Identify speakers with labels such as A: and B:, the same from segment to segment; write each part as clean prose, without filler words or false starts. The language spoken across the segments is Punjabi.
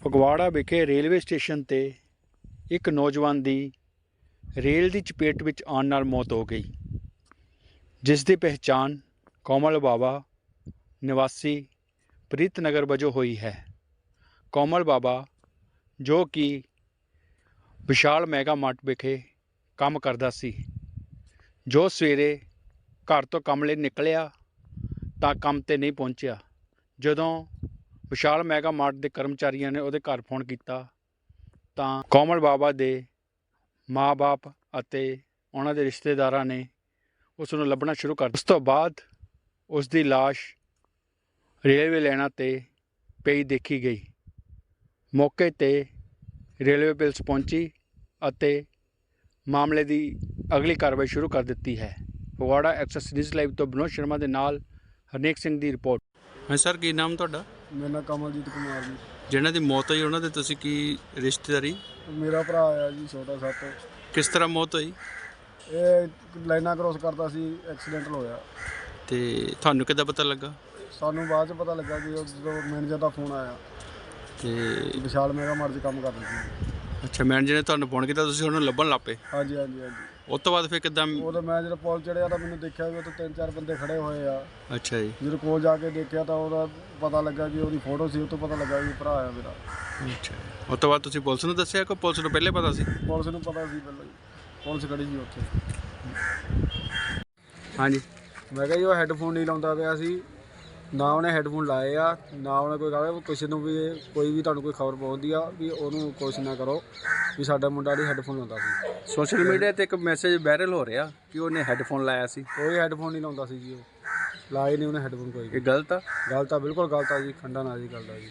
A: ਫਗਵਾੜਾ ਵਿਖੇ ਰੇਲਵੇ ਸਟੇਸ਼ਨ ਤੇ ਇੱਕ ਨੌਜਵਾਨ ਦੀ ਰੇਲ ਦੀ ਚਪੇਟ ਵਿੱਚ ਆਉਣ ਨਾਲ ਮੌਤ ਹੋ ਗਈ, ਜਿਸ ਦੀ ਪਹਿਚਾਣ ਕੋਮਲ ਬਾਵਾ ਨਿਵਾਸੀ ਪ੍ਰੀਤਨਗਰ ਵਜੋਂ ਹੋਈ ਹੈ। ਕੋਮਲ ਬਾਵਾ ਜੋ ਕਿ ਵਿਸ਼ਾਲ ਮੈਗਾ ਮਾਰਟ ਵਿਖੇ ਕੰਮ ਕਰਦਾ ਸੀ, ਜੋ ਸਵੇਰੇ ਘਰ ਤੋਂ ਕੰਮ ਲਈ ਨਿਕਲਿਆ ਤਾਂ ਕੰਮ ਤੇ ਨਹੀਂ ਪਹੁੰਚਿਆ। ਜਦੋਂ ਵਿਸ਼ਾਲ ਮੈਗਾ ਮਾਰਟ ਦੇ ਕਰਮਚਾਰੀਆਂ ਨੇ ਉਹਦੇ ਘਰ ਫੋਨ ਕੀਤਾ ਤਾਂ ਕੋਮਲ ਬਾਵਾ ਦੇ ਮਾਂ-ਬਾਪ ਅਤੇ ਉਹਨਾਂ ਦੇ ਰਿਸ਼ਤੇਦਾਰਾਂ ਨੇ ਉਸ ਨੂੰ ਲੱਭਣਾ ਸ਼ੁਰੂ ਕਰ ਦਿੱਤਾ। ਉਸ ਤੋਂ ਬਾਅਦ ਉਸ ਦੀ ਲਾਸ਼ ਰੇਲਵੇ ਲਾਈਨਾਂ 'ਤੇ ਪਈ ਦੇਖੀ ਗਈ। ਮੌਕੇ 'ਤੇ ਰੇਲਵੇ ਪੁਲਿਸ ਪਹੁੰਚੀ ਅਤੇ ਮਾਮਲੇ ਦੀ ਅਗਲੀ ਕਾਰਵਾਈ ਸ਼ੁਰੂ ਕਰ ਦਿੱਤੀ ਹੈ। ਫਗਵਾੜਾ ਐਕਸੈਸ ਨਿਊਜ਼ ਲਾਈਵ ਤੋਂ ਵਿਨੋਦ ਸ਼ਰਮਾ ਦੇ ਨਾਲ ਹਰਨੇਕ ਸਿੰਘ ਦੀ ਰਿਪੋਰਟ। ਹਾਂ ਸਰ, ਕੀ ਨਾਮ ਤੁਹਾਡਾ?
B: ਮੇਰਾ ਨਾਮ ਕਮਲਜੀਤ ਕੁਮਾਰ ਜੀ।
A: ਜਿਹਨਾਂ ਦੀ ਮੌਤ ਹੋਈ ਉਹਨਾਂ ਦੇ ਤੁਸੀਂ ਕੀ ਰਿਸ਼ਤੇਦਾਰੀ?
B: ਮੇਰਾ ਭਰਾ ਆ ਜੀ, ਛੋਟਾ ਸੱਤ।
A: ਕਿਸ ਤਰ੍ਹਾਂ ਮੌਤ ਹੋਈ?
B: ਇਹ ਲਾਈਨਾਂ ਕ੍ਰੋਸ ਕਰਦਾ ਸੀ, ਐਕਸੀਡੈਂਟ ਹੋਇਆ।
A: ਤੇ ਤੁਹਾਨੂੰ ਕਿੱਦਾਂ ਪਤਾ ਲੱਗਾ?
B: ਸਾਨੂੰ ਬਾਅਦ 'ਚ ਪਤਾ ਲੱਗਾ ਕਿ ਜਦੋਂ ਮੈਨੇਜਰ ਦਾ ਫੋਨ ਆਇਆ
A: ਤੇ
B: ਵਿਸ਼ਾਲ ਮੈਗਾ ਮਾਰਟ 'ਚ ਕੰਮ ਕਰਦੇ ਸੀ।
A: ਅੱਛਾ, ਮੈਨੇਜਰ ਨੇ ਤੁਹਾਨੂੰ ਫੋਨ ਕੀਤਾ, ਤੁਸੀਂ ਉਹਨੂੰ ਲੱਭਣ ਲੱਗ ਪਏ?
B: ਹਾਂਜੀ ਹਾਂਜੀ ਹਾਂਜੀ।
A: ਉਸ ਤੋਂ ਬਾਅਦ ਫਿਰ ਕਿੱਦਾਂ?
B: ਉਦੋਂ ਮੈਂ ਜਦੋਂ ਪੁਲ ਚੜ੍ਹਿਆ ਤਾਂ ਮੈਨੂੰ ਦੇਖਿਆ ਕਿ ਉੱਥੇ 3-4 ਬੰਦੇ ਖੜੇ ਹੋਏ ਆ।
A: ਅੱਛਾ ਜੀ।
B: ਜਦੋਂ ਕੋਲ ਜਾ ਕੇ ਦੇਖਿਆ ਤਾਂ ਉਹਦਾ ਪਤਾ ਲੱਗਾ ਕਿ ਉਹਦੀ ਫੋਟੋ ਸੀ, ਉਹ ਤੋਂ ਪਤਾ ਲੱਗਾ ਕਿ ਭਰਾ ਆ ਮੇਰਾ।
A: ਅੱਛਾ, ਉਸ ਤੋਂ ਬਾਅਦ ਤੁਸੀਂ ਪੁਲਿਸ ਨੂੰ ਦੱਸਿਆ ਕਿ ਪੁਲਿਸ ਨੂੰ ਪਹਿਲੇ ਪਤਾ ਸੀ?
B: ਪੁਲਿਸ ਨੂੰ ਪਤਾ ਸੀ ਪਹਿਲਾਂ ਹੀ, ਪੁਲਿਸ ਖੜੀ ਸੀ ਉੱਥੇ।
A: ਹਾਂਜੀ,
B: ਮੈਂ ਕਿਹਾ ਜੀ ਉਹ ਹੈੱਡਫੋਨ ਨਹੀਂ ਲਾਉਂਦਾ ਪਿਆ ਸੀ, ਨਾ ਉਹਨੇ ਹੈੱਡਫੋਨ ਲਾਏ ਆ, ਨਾ ਉਹਨੇ ਕੋਈ ਕਹਾ ਕਿਸੇ ਨੂੰ ਵੀ ਕੋਈ ਵੀ ਤੁਹਾਨੂੰ ਕੋਈ ਖਬਰ ਪਹੁੰਚਦੀ ਆ ਵੀ ਉਹਨੂੰ ਕੋਸ਼ਿਸ਼ ਨਾ ਕਰੋ ਵੀ ਸਾਡਾ ਮੁੰਡਾ ਨਹੀਂ ਹੈੱਡਫੋਨ ਲਾਉਂਦਾ ਸੀ।
A: ਸੋਸ਼ਲ ਮੀਡੀਆ 'ਤੇ ਇੱਕ ਮੈਸੇਜ ਵਾਇਰਲ ਹੋ ਰਿਹਾ ਕਿ ਉਹਨੇ ਹੈੱਡਫੋਨ ਲਾਇਆ ਸੀ।
B: ਕੋਈ ਹੈੱਡਫੋਨ ਨਹੀਂ ਲਾਉਂਦਾ ਸੀ ਜੀ, ਉਹ ਲਾਏ ਨਹੀਂ ਉਹਨੇ ਹੈੱਡਫੋਨ ਕੋਈ।
A: ਇਹ ਗਲਤ ਆ?
B: ਗਲਤ ਆ, ਬਿਲਕੁਲ ਗਲਤ ਆ ਜੀ, ਖੰਡਾ ਨਾ ਜੀ ਗੱਲ ਦਾ ਜੀ।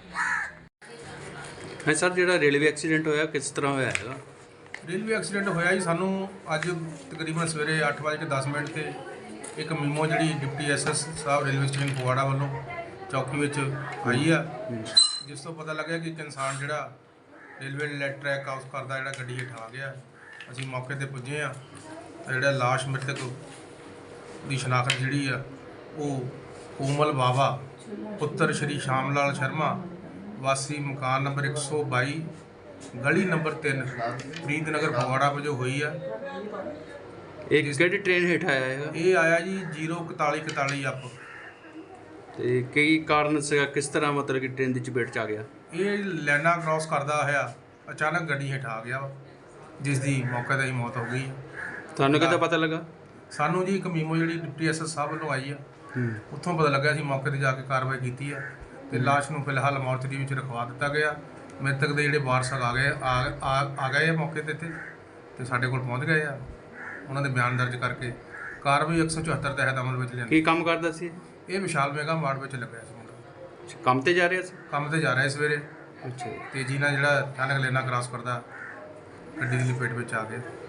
A: ਹਾਂ ਸਰ, ਜਿਹੜਾ ਰੇਲਵੇ ਐਕਸੀਡੈਂਟ ਹੋਇਆ ਕਿਸ ਤਰ੍ਹਾਂ ਹੋਇਆ ਹੈਗਾ?
C: ਰੇਲਵੇ ਐਕਸੀਡੈਂਟ ਹੋਇਆ ਜੀ ਸਾਨੂੰ ਅੱਜ ਤਕਰੀਬਨ ਸਵੇਰੇ 8:10 ਤੇ ਇੱਕ ਮੀਮੋ ਜਿਹੜੀ ਡਿਪਟੀ ਐਸਐਸ ਸਾਹਿਬ ਰੇਲਵੇ ਸਟੇਸ਼ਨ ਫਗਵਾੜਾ ਵੱਲੋਂ ਚੌਕੀ ਵਿੱਚ ਆਈ ਆ, ਜਿਸ ਤੋਂ ਪਤਾ ਲੱਗਿਆ ਕਿ ਇੱਕ ਇਨਸਾਨ ਜਿਹੜਾ ਰੇਲਵੇ ਟਰੈਕ ਕ੍ਰਾਸ ਕਰਦਾ ਜਿਹੜਾ ਗੱਡੀ ਹੇਠ ਆ ਗਿਆ। ਅਸੀਂ ਮੌਕੇ 'ਤੇ ਪੁੱਜੇ ਆ। ਜਿਹੜਾ ਲਾਸ਼ ਮ੍ਰਿਤਕ ਦੀ ਸ਼ਨਾਖਤ ਜਿਹੜੀ ਆ ਉਹ ਕੋਮਲ ਬਾਵਾ ਪੁੱਤਰ ਸ਼੍ਰੀ ਸ਼ਾਮ ਲਾਲ ਸ਼ਰਮਾ ਵਾਸੀ ਮਕਾਨ ਨੰਬਰ 122 ਗਲੀ ਨੰਬਰ 3 ਪ੍ਰੀਤਨਗਰ ਫਗਵਾੜਾ ਵਜੋਂ ਹੋਈ ਆ।
A: ਇਹ ਕਿਹੜੀ ਟ੍ਰੇਨ ਹੇਠ ਆਇਆ ਹੈਗਾ?
C: ਇਹ ਆਇਆ ਜੀ 04141 ਅਪ।
A: ਤੇ ਕਈ ਕਾਰਨ ਸੀਗਾ, ਕਿਸ ਤਰ੍ਹਾਂ ਮਤਲਬ ਕਿ ਟ੍ਰੇਨ ਦੀ ਚਪੇਟ 'ਚ ਆ ਗਿਆ?
C: ਇਹ ਲਾਈਨਾਂ ਕ੍ਰਾਸ ਕਰਦਾ ਹੋਇਆ ਅਚਾਨਕ ਗੱਡੀ ਹੇਠ ਆ ਗਿਆ, ਜਿਸ ਦੀ ਮੌਕੇ 'ਤੇ ਹੀ ਮੌਤ ਹੋ ਗਈ।
A: ਤੁਹਾਨੂੰ ਕਿੱਦਾਂ ਪਤਾ ਲੱਗਾ?
C: ਸਾਨੂੰ ਜੀ ਇੱਕ ਮੀਮੋ ਜਿਹੜੀ ਡਿਪਟੀ ਐਸਐਸ ਸਾਹਿਬ ਵੱਲੋਂ ਆਈ ਆ, ਉੱਥੋਂ ਪਤਾ ਲੱਗਾ। ਅਸੀਂ ਮੌਕੇ 'ਤੇ ਜਾ ਕੇ ਕਾਰਵਾਈ ਕੀਤੀ ਆ ਤੇ ਲਾਸ਼ ਨੂੰ ਫਿਲਹਾਲ ਮੋਰਚਰੀ ਵਿੱਚ ਰਖਵਾ ਦਿੱਤਾ ਗਿਆ। ਮ੍ਰਿਤਕ ਦੇ ਜਿਹੜੇ ਵਾਰਸ ਆ ਗਏ ਆ ਮੌਕੇ 'ਤੇ ਤੇ ਸਾਡੇ ਕੋਲ ਪਹੁੰਚ ਗਏ ਆ। ਉਹਨਾਂ ਦੇ ਬਿਆਨ ਦਰਜ ਕਰਕੇ ਕਾਰਵਾਈ 174 ਤਹਿਤ ਅਮਲ ਵਿੱਚ ਲਿਆਂਦੀ।
A: ਕੀ ਕੰਮ ਕਰਦਾ ਸੀ
C: ਇਹ ਵਿਸ਼ਾਲ ਮੈਗਾ ਮਾਰਟ ਵਿੱਚ ਲੱਗਿਆ ਸੀ ਮੁੰਡਾ।
A: ਕੰਮ ਤੇ ਜਾ ਰਿਹਾ ਸੀ?
C: ਕੰਮ ਤੇ ਜਾ ਰਿਹਾ ਸਵੇਰੇ।
A: ਅੱਛਾ।
C: ਤੇਜ਼ੀ ਨਾਲ ਜਿਹੜਾ ਅਚਾਨਕ ਲਾਈਨਾਂ ਕ੍ਰਾਸ ਕਰਦਾ ਗੱਡੀ ਦੀ ਲਪੇਟ ਵਿੱਚ ਆ ਗਿਆ।